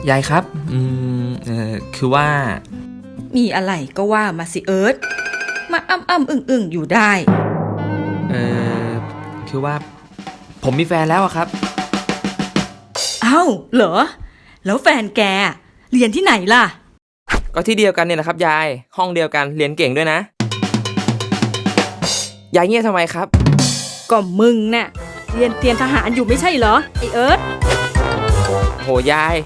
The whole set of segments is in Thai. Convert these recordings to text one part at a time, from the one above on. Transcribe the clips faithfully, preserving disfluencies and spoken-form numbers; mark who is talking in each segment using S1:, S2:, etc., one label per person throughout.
S1: ยายครับอืมเออคือว่า
S2: มีอะไรก็ว่ามาสิเอิร์ธมาอ้ำอ้ำอึ่งอึ่งอยู่ได้
S1: เออคือว่าผมมีแฟนแล้วอะครับ
S2: เอ้าเหรอแล้วแฟนแกเรียนที่ไหนล่ะ
S1: ก็ที่เดียวกันเนี่ยแหละครับยายห้องเดียวกันเรียนเก่งด้วยนะยายเงียบทำไมครับ
S2: ก็มึงน่ะเรียนเตรียมทหารอยู่ไม่ใช่เหรอไอเอิร์ธ
S1: โหยาย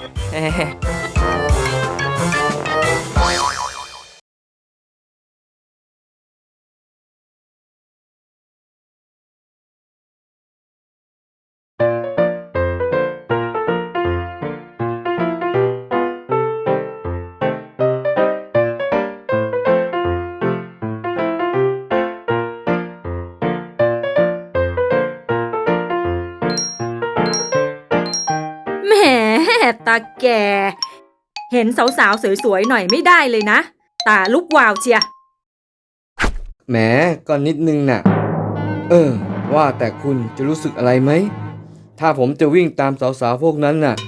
S2: แหมตาแกเห็นสาวๆสวยๆหน่อยไม่ได้เลยนะตาลุกวาวเชีย
S3: แหมก็นิดนึงน่ะเออว่าแต่คุณจะรู้สึกอะไรไหมถ้าผมจะวิ่งตามสาวๆพวกนั้นน่ะ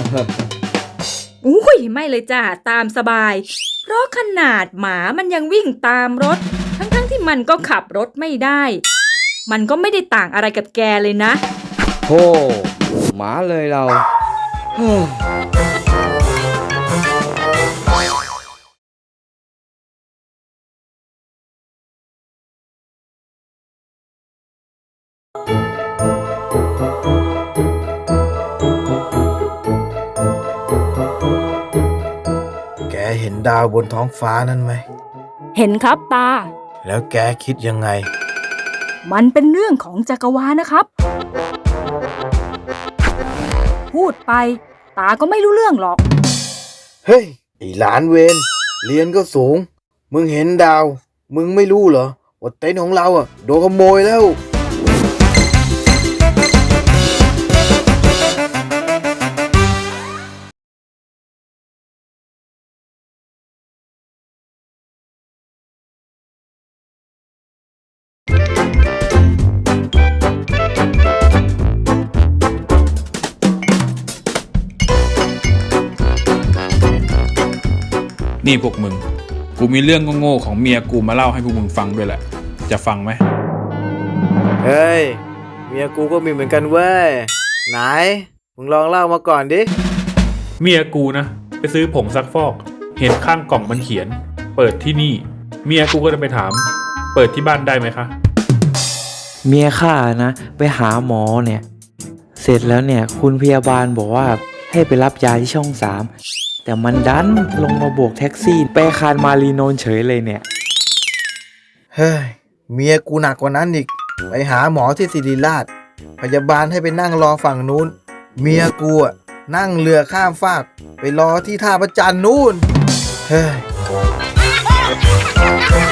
S2: อุ้ยไม่เลยจ้าตามสบายเพราะขนาดหมามันยังวิ่งตามรถทั้งๆที่มันก็ขับรถไม่ได้มันก็ไม่ได้ต่างอะไรกับแกเลยนะ
S3: โธ่หมาเลยเรา
S4: แกเห็นดาวบนท้องฟ้านั่นไหม
S2: เห็นครับตา
S4: แล้วแกคิดยังไง
S2: มันเป็นเรื่องของจักรวาลนะครับพูดไปตาก็ไม่รู้เรื่องหรอก
S4: เฮ้ยไอ้หลานเวรเรียนก็สูงมึงเห็นดาวมึงไม่รู้เหรอว่าเต็นท์ของเราอ่ะโดนขโมยแล้ว
S5: นี่พวกมึงกูมีเรื่องโง่ๆของเมียกูมาเล่าให้พวกมึงฟังด้วยแหละจะฟังไหม
S4: เฮ้ยเมียกูก็มีเหมือนกันเว้ยไหนมึงลองเล่ามาก่อนดิ
S5: เมียกูนะไปซื้อผงซักฟอกเห็นข้างกล่องมันเขียนเปิดที่นี่เมียกูก็เลยไปถามเปิดที่บ้านได้ไหมคะ
S6: เมียข้านะไปหาหมอเนี่ยเสร็จแล้วเนี่ยคุณพยาบาลบอกว่าให้ไปรับยาที่ช่องสามแต่มันดันลงมาโบกแท็กซี่ไปคานมารีโนนเฉยเลยเนี่ย
S4: เฮ้ยเมียกูหนักกว่านั้นอีกไปหาหมอที่ศิริราชพยาบาลให้ไปนั่งรอฝั่งนู้นเมียกูอ่ะนั่งเรือข้ามฟากไปรอที่ท่าพระจันทร์นู้นเฮ้ย